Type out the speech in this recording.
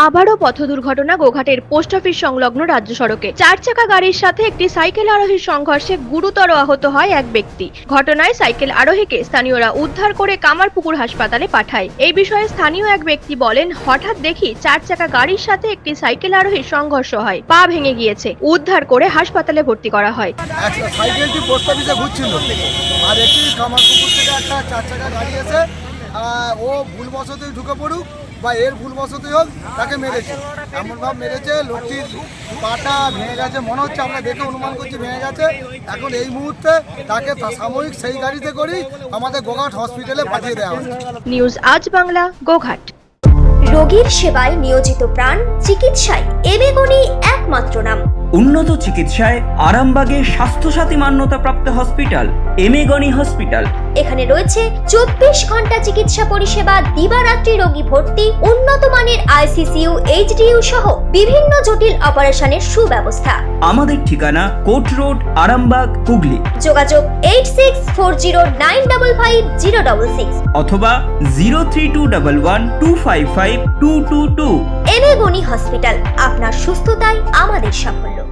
আবারও পথ দুর্ঘটনা গোঘাটের পোস্ট অফিস সংলগ্ন রাজ্য সড়কে। 4 চাকা গাড়ির সাথে একটি সাইকেল আরোহীর সংঘর্ষে গুরুতর আহত হয় এক ব্যক্তি। ঘটনায় সাইকেল আরোহীকে স্থানীয়রা উদ্ধার করে কামারপুকুর হাসপাতালে পাঠায়। এই বিষয়ে স্থানীয় এক ব্যক্তি বলেন, হঠাৎ দেখি 4 চাকা গাড়ির সাথে একটি সাইকেল আরোহীর সংঘর্ষ হয়, পা ভেঙে গিয়েছে। উদ্ধার করে হাসপাতালে ভর্তি করা হয়। সাইকেলটি পোস্ট অফিসে ঘুরছিল আর একটি কামারপুকুর থেকে একটা 4 চাকা গাড়ি এসে ও ভুলবশতই ঢুকে পড়ুক বা এর ভুলবশতই হোক তাকে মেরেছে। এমনভাবে মেরেছে, লোকটির পাটা ভেঙে গেছে, মনে হচ্ছে, আমরা দেখে অনুমান করছি ভেঙে গেছে। এখন এই মুহূর্তে তাকে সাময়িক সেই গাড়িতে করেই আমাদের গোঘাট হসপিটালে পাঠিয়ে দেওয়া হচ্ছে। নিউজ আজ বাংলা, গোঘাট। রোগীর সেবায় নিয়োজিত প্রাণ, চিকিৎসায় এবেগুনি একমাত্র নাম। উন্নত চিকিৎসায় আরামবাগে স্বাস্থ্যসাথী মান্যতাপ্রাপ্ত হসপিটাল এমেগনি হসপিটাল। এখানে রয়েছে 24 ঘন্টা চিকিৎসা পরিষেবা, দিবারাত্রি রোগী ভর্তি, উন্নত মানের আইসিসিইউ, এইচডিইউ সহ বিভিন্ন জটিল অপারেশনের সুব্যবস্থা। আমাদের ঠিকানা কোট রোড, আরামবাগ, হুগলি। যোগাযোগ 8640955066 অথবা 032112552222। এবেগুনি হসপিটাল, আপনার সুস্থতাই আমাদের সাফল্য।